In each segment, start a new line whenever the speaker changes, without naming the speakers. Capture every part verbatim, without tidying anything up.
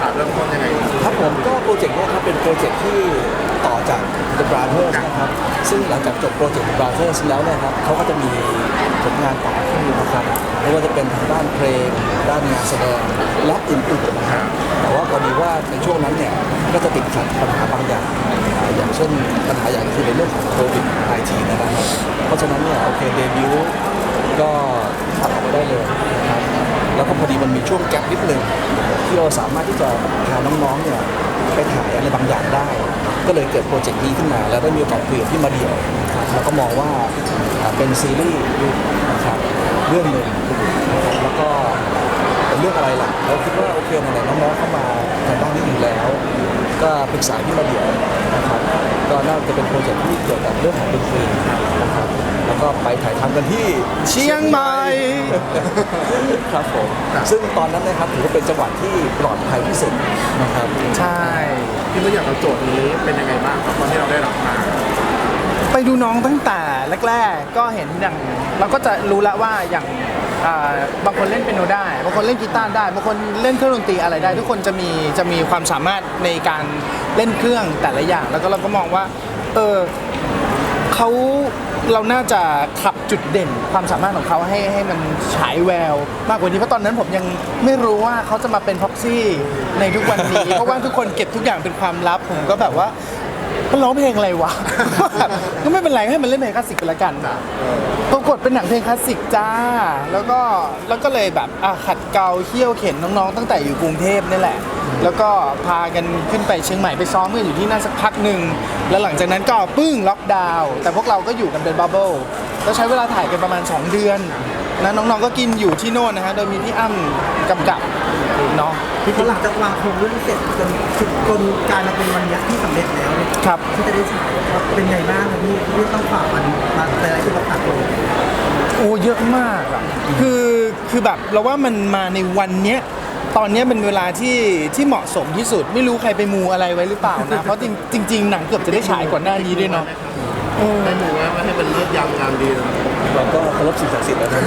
เริ่มต้นยังไง
ครับผมก็โปรเจกต์นี้ครับเป็นโปรเจกต์ที่ต่อจาก The Brothers นะครับซึ่งหลังจากจบโปรเจกต์ The Brothers แล้วเนี่ยครับเขาก็จะมีผลงานต่อขึ้นนะครับไม่ว่าจะเป็นทางด้านเพลงด้านงานแสดงและอื่นๆนะครับแต่ว่าพอดีว่าในช่วงนั้นเนี่ยก็จะติดขัดปัญหาบางอย่างอย่างเช่นปัญหาอย่างคือในเรื่องของโควิด สิบเก้า นะครับเพราะฉะนั้นเนี่ยโอเคเดบิวต์ก็ตัดออกไปได้เลยนะครับแล้วก็พอดีมันมีช่วงแกลบนิดนึงที่เราสามารถที่จะพาน้องๆเนี่ยไปถ่ายอะไรบางอย่างได้ก็เลยเกิดโปรเจกต์นี้ขึ้นมาแล้วได้มีโอกาสคุยกับพี่มาเดี่ยวแล้วก็มองว่าเป็นซีรีส์นะครับเรื่องหนึ่งนะครับแล้วก็เป็นเรื่องอะไรล่ะเราคิดว่าโอเคไหนๆน้องๆเข้ามาทางด้านนี้อยู่แล้วก็ปรึกษาพี่มาเดี่ยวนะครับก็น่าจะเป็นโปรเจกต์ที่เกี่ยวกับเรื่องของดนตรีนะครับแล้วก็ไปถ่ายทำกันที่
เชียงใหม่
ครับผมซึ่งตอนนั้นนะครับถือว่าเป็นจังหวัดที่ปลอดภัยที่สุดนะครับ
ใช่
พี่ว่าอยากเอาโจทย์นี้เป็นยังไงบ้างครับตอนที่เราได้รับมา
ไปดูน้องตั้งแต่แรกๆก็เห็นอย่างเราก็จะรู้แล้วว่าอย่างบางคนเล่นเปียโนได้บางคนเล่นกีตาร์ได้บางคนเล่นเครื่องดนตรีอะไรได้ทุกคนจะมีจะมีความสามารถในการเล่นเครื่องแต่ละอย่างแล้วก็เราก็มองว่าเออเขาเราน่าจะขับจุดเด่นความสามารถของเขาให้ให้มันฉายแววมากกว่านี้เพราะตอนนั้นผมยังไม่รู้ว่าเขาจะมาเป็นพ็อกซี่ในทุกวันนี้ เพราะว่าทุกคนเก็บทุกอย่างเป็นความลับผมก็แบบว่ามันร้องเพลงอะไรวะ ก็ไม่เป็นไรให้มันเล่นเพลงคลาสสิกไปละกันปรากฏเป็นหนังเพลงคลาสสิกจ้าแล้วก็แล้วก็เลยแบบขัดเกลาเขี่ยวเข็นน้องๆตั้งแต่อยู่กรุงเทพนี่แหละแล้วก็พากันขึ้นไปเชียงใหม่ไปซ้อมกันอยู่ที่นั่นสักพักหนึ่งแล้วหลังจากนั้นก็ปึ้งล็อกดาวน์แต่พวกเราก็อยู่กันเป็นบับเบิ้ลแล้วใช้เวลาถ่ายกันประมาณสองเดือนนะน้องๆก็กินอยู่ที่โน่นนะฮะโดยมีพี่อ้ำกำกับเนาะ
ที่หลังจากวางโครงเรื่องเสร็จจนจนกลายมาเป็นวันนี้ที่สำเร็จแล้ว
ครับ
ที่จะได้ฉายเป็นไงบ้างครับพี่ที่ต้องฝ่ามันมาอะไรที่เราตัดลง
โอ้เยอะมากอ่ะคือคือแบบเราว่ามันมาในวันเนี้ยตอนนี้เป็นเวลาที่ที่เหมาะสมที่สุดไม่รู้ใครไปมูอะไรไว้หรือเปล่านะเพราะจริงๆหนังเกือบจะได้ฉายก่อนหน้านี้ด้วยเนาะ
ได้มูว่าไม่ให้เป็นเลือดยำงามดีนะ
เราก็เคารพสิ่งศักดิ์สิทธิ์แล้วนะ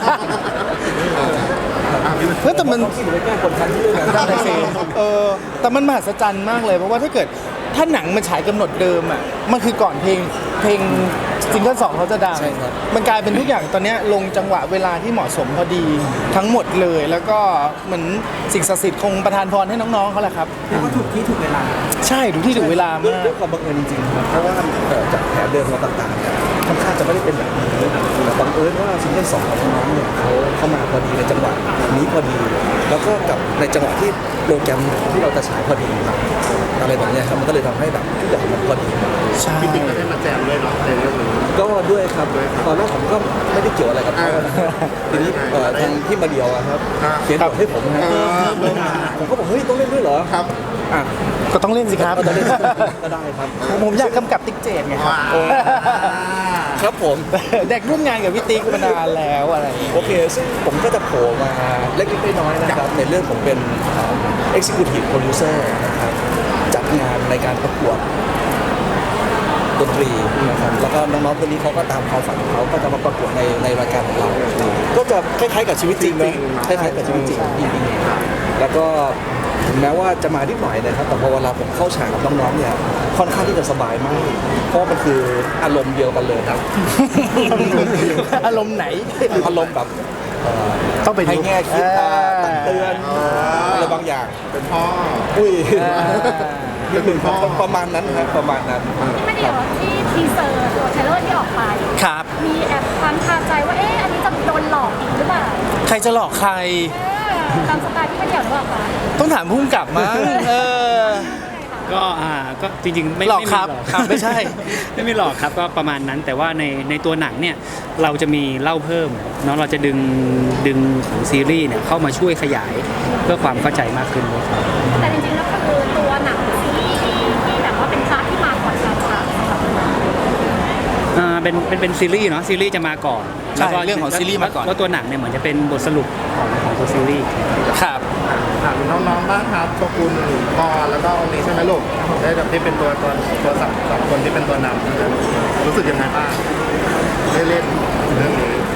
เฮ้ยแต่มัน
แก้คนทันที่เรื่องนั้น
ได้สิเออแต่มันมหัศจรรย์มากเลยเพราะว่าถ้าเกิดถ้าหนังมันฉายกำหนดเดิมอ่ะมันคือก่อนเพลงเพลงซิงเกิลสองเขาจะดังมันกลายเป็นทุกอย่างตอนนี้ลงจังหวะเวลาที่เหมาะสมพอดีทั้งหมดเลยแล้วก็เหมือนสิ่งศักดิ์สิทธิ์คงประทานพรให้น้องๆเขาแหละครับ
แล้วก็ถูกที่ถูกเวลา
ใช่ถูกที่ถูกเวลามาก
ด้วยความบังเอิญจริงๆครับเพราะว่าจากแผนเดิมเราต่างๆเนี่ยค่อนข้างจะไม่ได้เป็นแบบนี้แต่บังเอิญว่าซิงเกิลสองของน้องๆเนี่ยเขาเข้ามาพอดีในจังหวะนี้พอดีแล้วก็กับในจังหวะที่โปรแกรมที่เราจะฉายพอดีอะไรแบบนี้ครับมันก็เลยทำให้แบบทุกอย่างมันพอดี
ใช่
พี่ติ๊กก็ได้มาแจมด้วยเนาะในเรื่องนี้
ก็ด้วยครับตอนแรกผมก็ไม่ได้เกี่ยวอะไรกับเขาทีนี้ทางที่มาเดียวครับเขียนบทให้ผมนะผมก็บอกเฮ้ยต้องเล่นด้วยเหรอ
ครับ
อ่ะก็ต้องเล่นสิครับ
ก็ได้ครับ
ผมอยากกำกับติ๊กเจดไงครับ
ครับผม
เด็กร่วมงานกับพี่ติ๊กมานานแล้วอะไร
โอเคซึ่งผมก็จะโผล่มาเล็กๆน้อยๆนะครับในเรื่องผมเป็น Executive Producer นะครับจัดงานในการประกวดดนตรีนะครับแล้วก็น้องๆคนนี้เขาก็ตามความฝันของเขาก็จะมาประกวดในในรายการของเราก็จะคล้ายๆกับชีวิตจริงนะคล้ายๆกับชีวิตจริงจริงๆแล้วก็ถึงแม้ว่าจะมานิดหน่อยนะครับแต่พอเวลาผมเข้าฉากกับน้องๆเนี่ยค่อนข้างที่จะสบายมากเพราะมันคืออารมณ์เดียวกันเลยครับ
อารมณ์ไหน
อารมณ์แบบ
ต้องไป
ให้แง่คิดตักเตือนอะไรบางอย่าง
เป็นพ่อ
อุ้ยนี่คือประมาณนั้นครับประมาณนั้น
ไม่เดี๋ยวที่ทีเซอร์ตัวเทเลอร์ที่ออกไป
ครับ
มีแอบความคาใจว่าเอ๊ะอันนี้จะโดนหลอกอีกหรือเปล่า
ใครจะหลอกใคร
ตามสไตล์ที่ไม่เดี่ยวหรือเปล่าคะ
ต้องถามผู้กำกับมั้งเออ
ก็อ่าก็จริงๆไม่
หลอกครับไม่ใช่
ไม่ไม่หลอกครับก็ประมาณนั้นแต่ว่าในในตัวหนังเนี่ยเราจะมีเล่าเพิ่มเนาะเราจะดึงดึงของซีรีส์เนี่ยเข้ามาช่วยขยายเพื่อความเข้าใจมากขึ้นเลยครับ
แต่จริงๆแล้วคือตัวหนังซีรีส์ที่แบบว่าเป็นพาร์ทที่มาก่อนเราค่ะ
อ่าเป็นเป็นเป็นซีรีส์เนาะซีรีส์จะมาก่อน
แล้วก็เรื่องของซีรีส์มาก่อน
แล้วตัวหนังเนี่ยเหมือนจะเป็นบทสรุปของของตัวซีรีส์
ครับ
ถามน้องๆบ้างครับโชกุนปอแล้วก็องค์นี้ใช่ไหมลูกได้แบบที่เป็นตัวตัวตัวสองคนที่เป็นตัวนำรู้สึกยังไงบ้างได้เล่นเรื่องนี้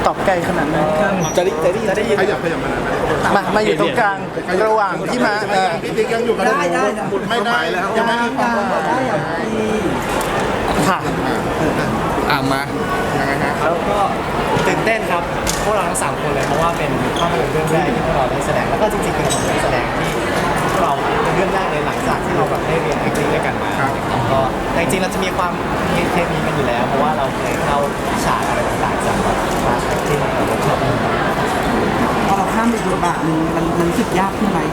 ตอบไกลขนาดนั้น
จะได้จะได้ยิน
จะได้ยิน
ขยับขยับมาหน่อยนะ
มามาอยู่ตรงกลางระหว่างพี่มาเออ
พี่ติ๊กยังอยู่กับหนู
ได้ได้
ไม่ได้ยังไม่มีความ
ได้อย่างที่
ค่ะ
อ่ามา
ยังไงฮะ
แล้วก็ตื่นเต้นครับพวกเราทั้งสามคนเลยเพราะว่าเป็นภาพยนตร์เรื่องแรกที่พวกเราได้แสดงแล้วก็จริงๆเป็นของการแสดงที่พวกเราเป็นเรื่องแรกเลยหลังจากที่เราแบบได้เรียน acting ด้วยกันมาก็แต่จริงๆเราจะมีความเคมีกันอยู่แล้ว เพราะว่าเราเคยเข้าฉากอะไรต่างๆจากแบบคลาส acting เราก็ชอบ
พอเราข้ามไปบทบาทหนึ่งมันมันรู้สึกยากขึ้นไหม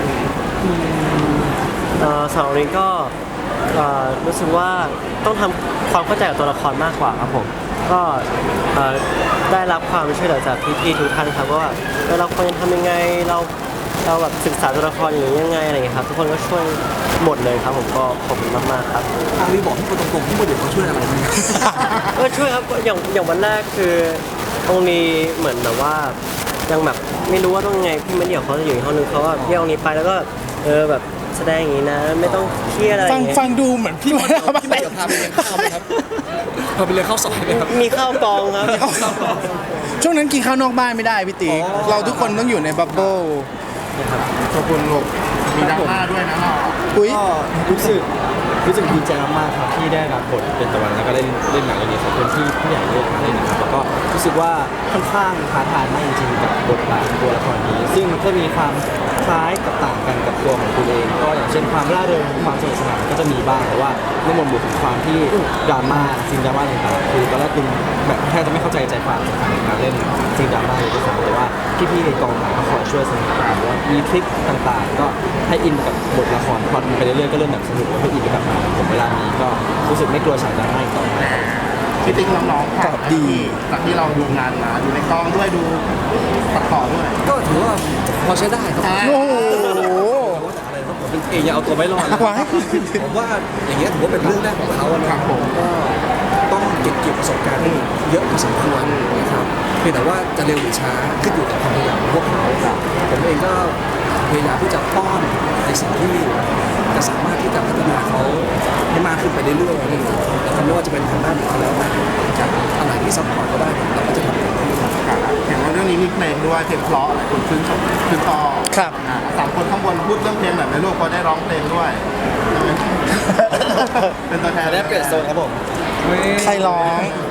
เอ่อสำหรับวันนี้ก็เอ่อรู้สึกว่าต้องทำความเข้าใจกับตัวละครมากกว่าครับผมก็เอ่อได้รับความช่วยเหลือจากพี่ๆทุกท่านครับว่าเออเราควรจะทำยังไงเราเราแบบศึกษาตัวละครอย่างนี้ยังไงอะไรอย่างเงี้ยครับทุกคนก็ช่วยหมดเลยครับผมก็ขอบคุณมากๆครับ
อาวีบอกที่คนตรงๆที่คนอื่นเขาช่วยอะไรไหม
ก็ช่วยครับอย่างอย่างวันแรกคือตรงนี้เหมือนแบบว่ายังแบบไม่รู้ว่าต้องยังไงพี่มะเดี่ยวเขาจะอยู่อีกห้องนึงเขาก็เรียกตรงนี้ไปแล้วก็เออแบบแสดงอย่างนี้นะไม่ต้องเครียดอะไรอ
ฟัง
ย่างเงี้ย
ฟังดูเหมือนพี่มาแล้ว
พี่เดี๋ยวพาไปเลี้ยงข้าวไหมครับพาไปเลี้ยงข้าวซอยไหมครับ
มีข้าวกองครับ
ช่วงนั้นกินข้าวนอกบ้านไม่ได้พี่ติ๊กเราทุกคนต้องอยู่ในบับเบิ้ล
ขอบคุณลูกมีดราม่าด้วยนะเรา
อุ้ย
ก็รู้สึกรู้สึกดีใจมากๆครับที่ได้รับบทเป็นตะวันแล้วก็เล่นเล่นหนังเรื่องนี้ขอบคุณที่ผู้ใหญ่เลือกมาเล่นนะครับแล้วก็รู้สึกว่าค่อนข้างท้าทายมากจริงๆกับบทบาทตัวละครนี้ ซึ่งก็มีความคล้ายกับต่างกันกับตัวของคุณเอง ก็อย่างเช่นความร่าเริงความสนุกสนานก็จะมีบ้างแต่ว่าในหมวดหมู่ของความที่ดราม่าซีนดราม่าต่างๆคือตอนแรกคุณแบบแทบจะไม่เข้าใจใจความสำคัญในการเล่นซีนดราม่าเลยด้วยซ้ำแต่ว่าพี่ๆในกองถ่ายก็คอยช่วยสนับสนุนว่ามีทริคต่างๆ ก็ให้อินกับบทละครพอดไปเรื่อยๆก็เริ่มแบบสนุกแล้วก็อินไปกับมันผมเวลานี้ก็รู้สึกไม่กลัวฉากดราม่าอีกต่อไป
พี่ติ๊กน้องๆ
ตอบดี
จากที่เราดูงานมาอยู่ในกองด้วยดูตัดต่อด้วย
ก็ถือว่าพอใช้ได้ครับ
โอ้โห
ว่าแต่อะไรครับผมเป็นเองยังเอาตัวไม่รอดเลย
ว้าย
ผมว่าอย่างเงี้ยถือว่าเป็นเรื่องแรกของเขาอะนะครับผมก็ต้องเก็บเกี่ยวประสบการณ์เยอะพอสมควรนะครับเพียงแต่ว่าจะเร็วหรือช้าขึ้นอยู่กับความพยายามของพวกเขาผมเองก็พยายามที่จะป้อนในสิ่งที่จะสามารถที่จะพัฒนาเขาให้มากขึ้นไปเรื่อยๆนะครับไม่ว่าจะเป็นทางด้านไหนก็แล้วแต่อะไรที่ซัพพอร์ตก็ได้เราก็จะทำ
เห็นว่าเรื่องนี้มีเพลงด้วยเพลงเพราะหลายคนชื่นชมชื่นชอบ
ครับ
อ่าสามคนข้างบนพูดเรื่องเพลงแบบในโลกก็ได้ร้องเพลงด้วย เป็นตัวแทน
ได้เปลี่ยนโซนครับผม
ใครร้อง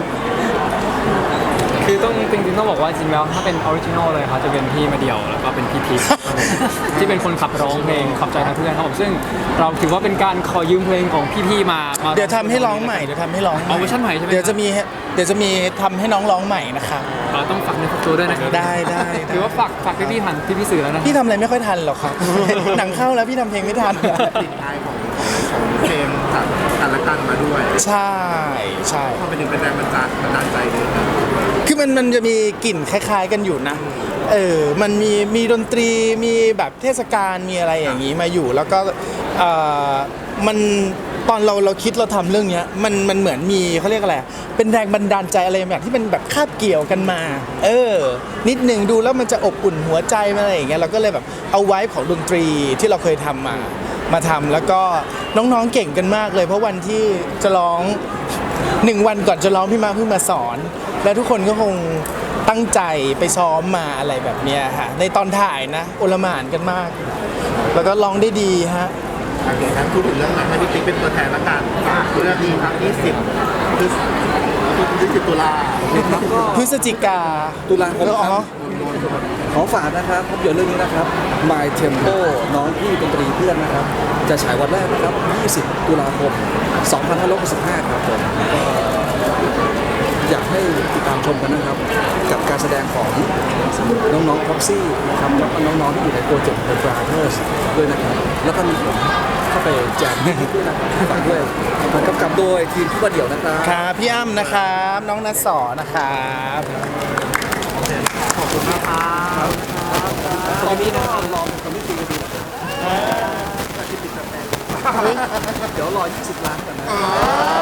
คือต้องจริงๆต้องบอกว่าจริงแล้วถ้าเป็นออริจินอลเลยครับจะเป็นพี่มาเดี่ยวแล้วก็เป็นพี่พีชครับผมที่เป็นคนขับร้องเพลงขับใจทั้งเพื่อนครับผมซึ่งเราถือว่าเป็นการขอยืมเพลงของพี่ๆมามา
เดี๋ยวทำให้ร้องใหม่เดี๋ยวทำให้ร้อง
เอาเวอร์ชันใหม่ใช่ไหม
เดี๋ยวจะมีเดี๋ยวจะมีทำให้น้องร้องใหม่นะคะ
เราต้องฝากในฝากตัวด้วยนะครับ
ได้ได้
ถือว่าฝากฝากพี่ๆทันพี่ๆสื่อแล้วนะ
พี่ทำอะไรไม่ค่อยทันหรอกครับ หนังเข้าแล้วพี่ทำเพลงไม่ทัน
ติดท้ายของของเพลงจากกันและกันมาด้วย
ใช่ใช่
พอไปถึงเป็นแรงบันดาลบันดาลใจเลยนะ
คือมันมันจะมีกลิ่นคล้าย ๆ กันอยู่นะ เออ มันมีมีดนตรี มีแบบเทศกาล มีอะไรอย่างนี้มาอยู่ แล้วก็เอ่อมันตอนเราเราคิดเราทำเรื่องเนี้ยมันมันเหมือนมีเขาเรียกอะไร เป็นแรงบันดาลใจอะไรแบบที่เป็นแบบคาบเกี่ยวกันมา เออ นิดหนึ่งดูแล้วมันจะอบอุ่นหัวใจมาอะไรอย่างเงี้ย เราก็เลยแบบเอาไว้ของดนตรีที่เราเคยทำมา มาทำแล้วก็น้องๆเก่งกันมากเลย เพราะวันที่จะร้องหนึ่งวันก่อนจะร้องพี่มาเพิ่งมาสอน แล้วทุกคนก็คงตั้งใจไปซ้อมมาอะไรแบบเนี้ยฮะในตอนถ่ายนะโอลหม่านกันมาก แล้วก็ร้องได้ดีฮะ
โอเคครับพูดถึงเรื่องหนังให้พี่ติ๊กเป็นตัวแทนละกันฝากเรื่องนี้ครับยี่สิบพฤศยี่สิบตุลา
ครับก็
พฤศจิกา
ตุลาคม
แล้วอ๋อ
ครับขอฝากนะครับภาพยนตร์เรื่องนี้นะครับ My Tempo น้องพี่ดนตรีเพื่อนนะครับ จะฉายวันแรกนะครับ ยี่สิบ ตุลาคม สองพันห้าร้อยหกสิบห้า ครับผมก็อยากให้ติดตามชมกันนะครับ กับการแสดงของน้องๆ Proxy นะครับแล้วก็น้องๆที่อยู่ในโปรเจกต์ The Brothers ด้วยนะครับ แล้วก็มีผมเข้าไปแจมด้วยนะครับฝากด้วยมันกำกับโดยทีมผู้ประเดี่ยวนะครับ
ครับพี่อ้ำนะครับ น้องนัทสอนะครับ
ขอบคุณมากครับ
ตอนนี้นะครับรอคอมมิชชั่นดีนะครับเดี๋ยวรอยี่สิบล้านก่อนนะ